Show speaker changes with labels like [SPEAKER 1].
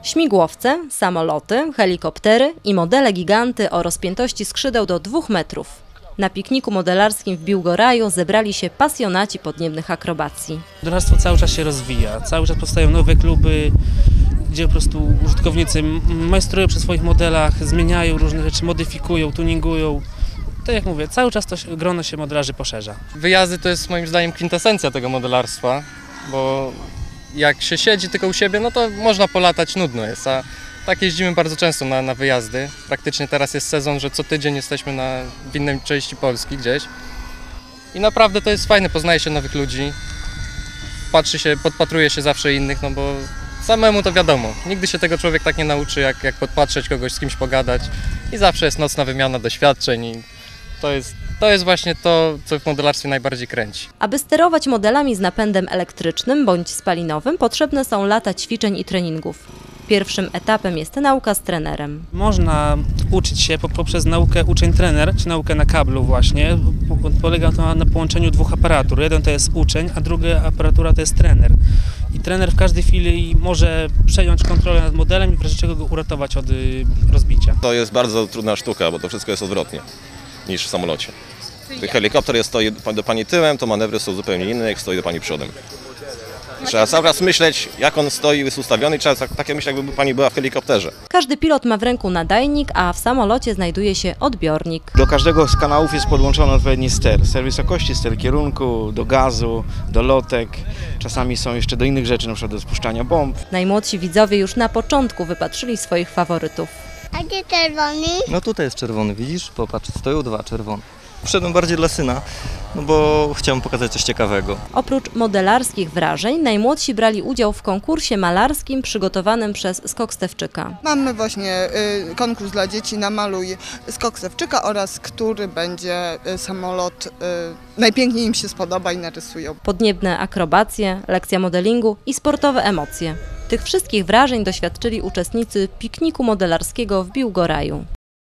[SPEAKER 1] Śmigłowce, samoloty, helikoptery i modele giganty o rozpiętości skrzydeł do 2 metrów. Na pikniku modelarskim w Biłgoraju zebrali się pasjonaci podniebnych akrobacji.
[SPEAKER 2] Modelarstwo cały czas się rozwija, cały czas powstają nowe kluby, gdzie po prostu użytkownicy majstrują przy swoich modelach, zmieniają różne rzeczy, modyfikują, tuningują. Tak jak mówię, cały czas to grono się modelarzy poszerza.
[SPEAKER 3] Wyjazdy to jest moim zdaniem kwintesencja tego modelarstwa, bo jak się siedzi tylko u siebie, no to można polatać, nudno jest, a tak jeździmy bardzo często na wyjazdy. Praktycznie teraz jest sezon, że co tydzień jesteśmy w innej części Polski gdzieś. I naprawdę to jest fajne, poznaje się nowych ludzi, podpatruje się zawsze innych, no bo samemu to wiadomo, nigdy się tego człowiek tak nie nauczy, jak podpatrzeć kogoś, z kimś pogadać i zawsze jest nocna wymiana doświadczeń i to jest właśnie to, co w modelarstwie najbardziej kręci.
[SPEAKER 1] Aby sterować modelami z napędem elektrycznym bądź spalinowym, potrzebne są lata ćwiczeń i treningów. Pierwszym etapem jest nauka z trenerem.
[SPEAKER 2] Można uczyć się poprzez naukę uczeń-trener, czy naukę na kablu właśnie. Polega to na połączeniu dwóch aparatur. Jeden to jest uczeń, a druga aparatura to jest trener. I trener w każdej chwili może przejąć kontrolę nad modelem i w razie czego go uratować od rozbicia.
[SPEAKER 4] To jest bardzo trudna sztuka, bo to wszystko jest odwrotnie niż w samolocie. Gdy helikopter stoi do pani tyłem, to manewry są zupełnie inne, jak stoi do pani przodem. Trzeba cały czas myśleć, jak on stoi, jest ustawiony i trzeba tak myśleć, jakby pani była w helikopterze.
[SPEAKER 1] Każdy pilot ma w ręku nadajnik, a w samolocie znajduje się odbiornik.
[SPEAKER 5] Do każdego z kanałów jest podłączony odpowiedni ster. Ster wysokości, ster kierunku, do gazu, do lotek. Czasami są jeszcze do innych rzeczy, np. do spuszczania bomb.
[SPEAKER 1] Najmłodsi widzowie już na początku wypatrzyli swoich faworytów.
[SPEAKER 6] A gdzie czerwony?
[SPEAKER 7] No tutaj jest czerwony, widzisz? Popatrz, stoją 2 czerwone. Wszedłem bardziej dla syna, no bo chciałem pokazać coś ciekawego.
[SPEAKER 1] Oprócz modelarskich wrażeń, najmłodsi brali udział w konkursie malarskim przygotowanym przez Skok Stefczyka.
[SPEAKER 8] Mamy właśnie konkurs dla dzieci Namaluj Skok Stefczyka oraz który będzie samolot, najpiękniej im się spodoba i narysują.
[SPEAKER 1] Podniebne akrobacje, lekcja modelingu i sportowe emocje. Tych wszystkich wrażeń doświadczyli uczestnicy pikniku modelarskiego w Biłgoraju.